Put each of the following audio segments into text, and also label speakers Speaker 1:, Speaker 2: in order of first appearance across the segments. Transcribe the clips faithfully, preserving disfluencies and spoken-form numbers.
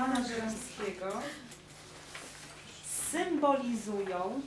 Speaker 1: Jana Żeromskiego symbolizują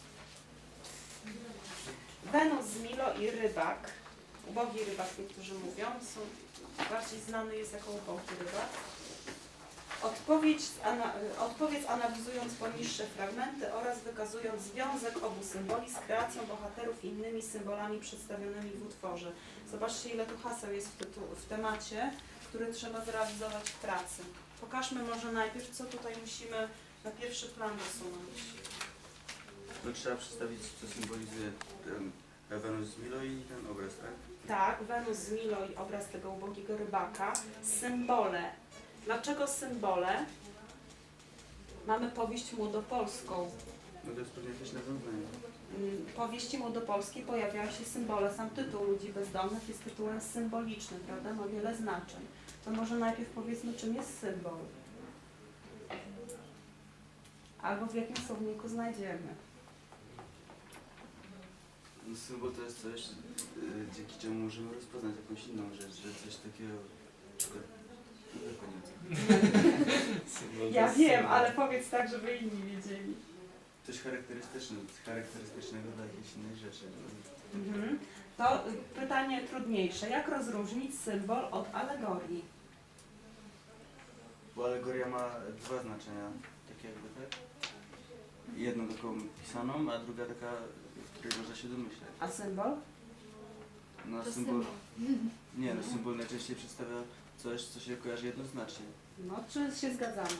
Speaker 1: Wenus z Milo i rybak. Ubogi rybak, niektórzy mówią, są, bardziej znany jest jako ubogi rybak. Odpowiedź, ana, odpowiedź analizując poniższe fragmenty oraz wykazując związek obu symboli z kreacją bohaterów i innymi symbolami przedstawionymi w utworze. Zobaczcie, ile tu haseł jest w, tytu, w temacie, który trzeba zrealizować w pracy. Pokażmy może najpierw, co tutaj musimy na pierwszy plan dosunąć.
Speaker 2: No, trzeba przedstawić, co symbolizuje ten Wenus z Milo i ten obraz, tak?
Speaker 1: Tak, Wenus z Milo i obraz tego ubogiego rybaka. Symbole. Dlaczego symbole? Mamy powieść młodopolską.
Speaker 2: No to jest pewnie jakieś nawiązanie.
Speaker 1: W powieści młodopolskiej pojawiają się symbole. Sam tytuł Ludzi Bezdomnych jest tytułem symbolicznym, prawda? Ma wiele znaczeń. To może najpierw powiedzmy, czym jest symbol. Albo w jakim słowniku znajdziemy.
Speaker 2: No, symbol to jest coś, yy, dzięki czemu możemy rozpoznać jakąś inną rzecz, że coś takiego... Nie koniec.
Speaker 1: Ja wiem, ale powiedz tak, żeby inni wiedzieli.
Speaker 2: Coś charakterystyczne, charakterystycznego dla jakiejś innej rzeczy.
Speaker 1: Mhm. To pytanie trudniejsze. Jak rozróżnić symbol od alegorii?
Speaker 2: Bo alegoria ma dwa znaczenia, takie jakby, tak? Jedną taką pisaną, a druga taka, w której można się domyśleć.
Speaker 1: A symbol?
Speaker 2: No
Speaker 3: To
Speaker 2: symbol...
Speaker 3: symbol.
Speaker 2: Nie, no symbol najczęściej przedstawia coś, co się kojarzy jednoznacznie.
Speaker 1: No, czy się zgadzamy?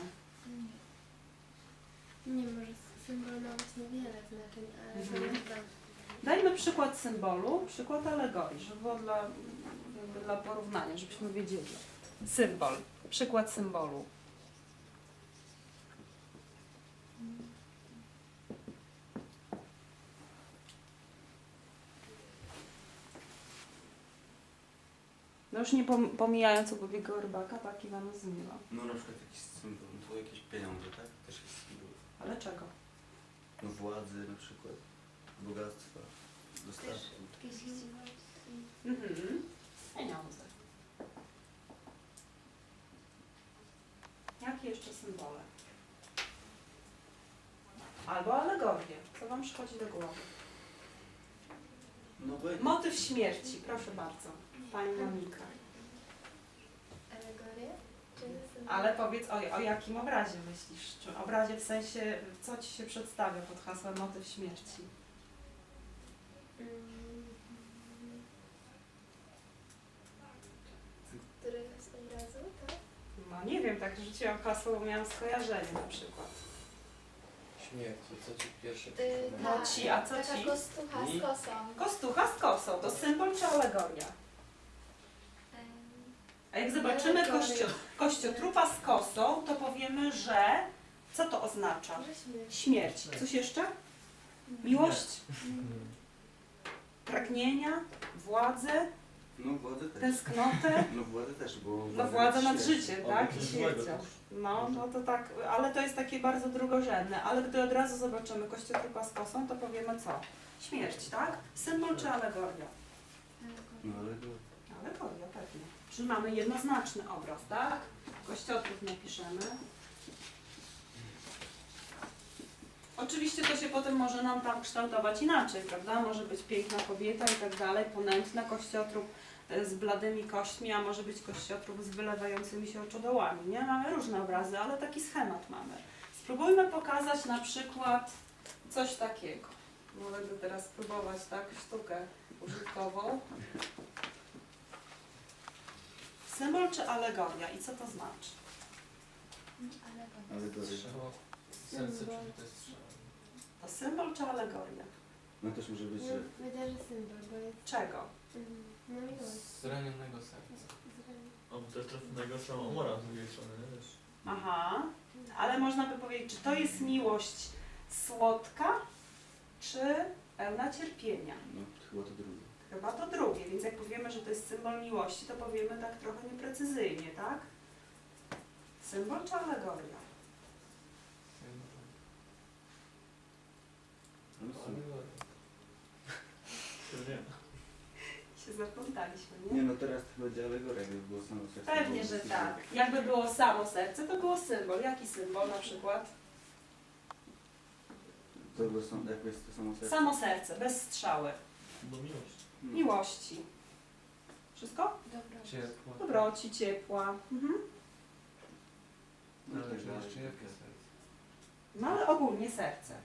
Speaker 3: Nie, może symbol ma właśnie wiele znaczeń, ale
Speaker 1: Mhm.
Speaker 3: to jest tam.
Speaker 1: Dajmy przykład symbolu, przykład alegorii, żeby było dla, jakby dla porównania, żebyśmy wiedzieli. Symbol, przykład symbolu. No już nie pom pomijając ubogiego rybaka, tak, Iwana z Milo.
Speaker 2: No na przykład jakiś symbol, no to jakieś pieniądze, tak? Też jest symbol.
Speaker 1: Ale czego?
Speaker 2: No władzy na przykład, bogactwa, dostatku.
Speaker 3: Jakieś chciwości.
Speaker 1: Mhm. Pieniądze. Jakie jeszcze symbole? Albo alegorie. Co Wam przychodzi do głowy?
Speaker 2: No bo
Speaker 1: Motyw śmierci, proszę bardzo. Pani Monika.
Speaker 3: Alegoria? Czy symbol?
Speaker 1: Ale powiedz, o, o jakim obrazie myślisz? Czy obrazie w sensie, co Ci się przedstawia pod hasłem motyw śmierci?
Speaker 3: Mm. Któregoś obrazu, tak?
Speaker 1: No nie wiem, tak rzuciłam hasło, bo miałam skojarzenie na przykład.
Speaker 4: Śmierci, co ci pierwsze
Speaker 3: Yy,
Speaker 4: przypomina?
Speaker 1: No ci, a co
Speaker 3: taka
Speaker 1: ci?
Speaker 3: kostucha
Speaker 4: Mi?
Speaker 3: z kosą.
Speaker 1: Kostucha z kosą, to symbol czy alegoria?
Speaker 3: Ym,
Speaker 1: A jak zobaczymy
Speaker 3: Alegoria.
Speaker 1: kościo, kościotrupa z kosą, to powiemy, że co to oznacza?
Speaker 3: Może śmierć.
Speaker 1: Śmierć. Coś jeszcze? Miłość? Pragnienia? Władzę?
Speaker 2: No władzę też.
Speaker 1: Tęsknotę?
Speaker 2: No władzę też, bo...
Speaker 1: No władza nad
Speaker 2: śmierć.
Speaker 1: życiem, tak? I śmiercią. No, no to tak, ale to jest takie bardzo drugorzędne. Ale gdy od razu zobaczymy kościotrupa z kosą, to powiemy co? Śmierć, tak? Symbol czy alegoria?
Speaker 2: No ale to...
Speaker 1: Alegoria, pewnie. Czyli mamy jednoznaczny obraz, tak? Kościotrup napiszemy. Oczywiście to się potem może nam tam kształtować inaczej, prawda? Może być piękna kobieta i tak dalej, ponętna, kościotrup z bladymi kośćmi, a może być kościotrup z wylewającymi się oczodołami, nie? Mamy różne obrazy, ale taki schemat mamy. Spróbujmy pokazać na przykład coś takiego. Mogę teraz spróbować, tak, sztukę użytkową. Symbol czy alegoria i co to znaczy?
Speaker 3: Alegoria.
Speaker 2: Alegoria.
Speaker 4: Strzała. Serce, czyli to jest strzała.
Speaker 1: To symbol czy alegoria?
Speaker 2: No też może być,
Speaker 3: No,
Speaker 2: że...
Speaker 3: powiedziała, że symbol, bo jest
Speaker 1: Czego?
Speaker 3: ym, no miłość.
Speaker 4: Zranionego serca.
Speaker 3: Zraniony.
Speaker 5: O, też trafionego są omora z drugiej strony, nie? Wiesz.
Speaker 1: Aha, ale można by powiedzieć, czy to jest miłość słodka, czy pełna cierpienia?
Speaker 2: No chyba to drugie.
Speaker 1: Chyba to drugie, więc jak powiemy, że to jest symbol miłości, to powiemy tak trochę nieprecyzyjnie, tak? Symbol czy alegoria?
Speaker 2: No, symbol.
Speaker 5: Nie.
Speaker 1: Się się zaplątaliśmy,
Speaker 2: Nie
Speaker 1: nie?
Speaker 2: no, teraz to będzie alegoria, jakby było samo serce.
Speaker 1: Pewnie, że tak. Jakby było samo serce, to było symbol. Jaki symbol na przykład?
Speaker 2: To było są, jak jest to samo serce?
Speaker 1: Samo serce, bez strzały.
Speaker 5: Bo miłość.
Speaker 2: Hmm.
Speaker 1: Miłości. Wszystko?
Speaker 3: Dobra.
Speaker 4: Ciepło.
Speaker 1: Dobroci, ciepła. Mhm.
Speaker 2: No,
Speaker 4: Ale
Speaker 2: tak
Speaker 4: czy
Speaker 2: dalej.
Speaker 4: jeszcze jakie serce?
Speaker 1: No ale ogólnie serce.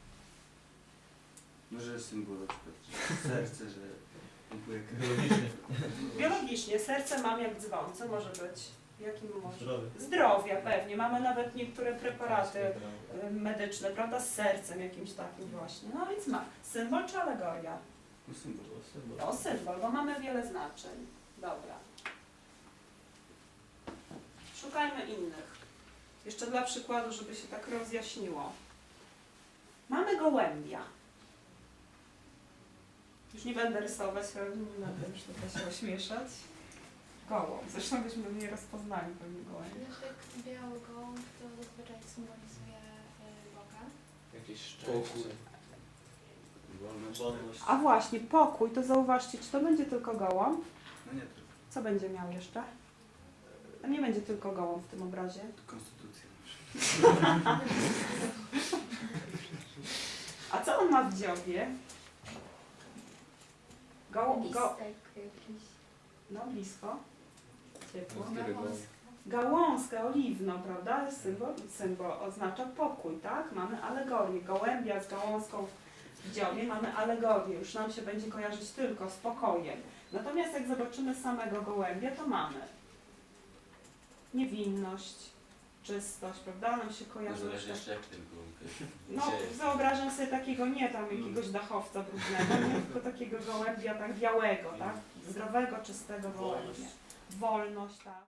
Speaker 2: Może symbol na przykład, że serce, że pompuje krew.
Speaker 5: Biologicznie.
Speaker 1: Biologicznie serce mam jak dzwon. Co może być? Jakim może?
Speaker 5: Zdrowy.
Speaker 1: Zdrowia pewnie. Mamy nawet niektóre preparaty y, medyczne, prawda? Z sercem jakimś takim właśnie. No więc ma. Symbol czy alegoria?
Speaker 2: No symbol.
Speaker 5: To symbol.
Speaker 1: O, symbol, bo mamy wiele znaczeń. Dobra. Szukajmy innych. Jeszcze dla przykładu, żeby się tak rozjaśniło. Mamy gołębia. Już nie będę rysować, nie będę już tutaj się ośmieszać. Gołąb. Zresztą byśmy nie rozpoznali pewnie gołębia.
Speaker 3: No tak biały gołąb to zazwyczaj symbolizuje y, Boga.
Speaker 4: Jakieś
Speaker 2: Pokój.
Speaker 4: szczęście.
Speaker 2: Wolność.
Speaker 5: Wolność.
Speaker 1: A właśnie, pokój, to zauważcie, czy to będzie tylko gołąb?
Speaker 2: No nie tylko.
Speaker 1: Co będzie miał jeszcze? Tam nie będzie tylko gołąb w tym obrazie.
Speaker 2: Konstytucja.
Speaker 1: A co on ma w dziobie? Gołąb, go...
Speaker 3: Listek jakiś.
Speaker 1: No blisko. Ciepło.
Speaker 4: Który gołąb?
Speaker 1: Gałązkę oliwną, prawda? Symbol, symbol oznacza pokój, tak? Mamy alegorię. Gołębia z gałązką w dziobie mamy alegorię. Już nam się będzie kojarzyć tylko z pokojem. Natomiast jak zobaczymy samego gołębia, to mamy niewinność, czystość, prawda? Nam się kojarzy
Speaker 6: Zależy
Speaker 1: jeszcze...
Speaker 6: jeszcze jak ten gołąb jest.
Speaker 1: No,
Speaker 6: Gdzie-
Speaker 1: wyobrażam sobie takiego nie tam jakiegoś dachowca brudnego, nie? Tylko takiego gołębia tak białego, tak? Zdrowego, czystego gołębia. Wolność, tak.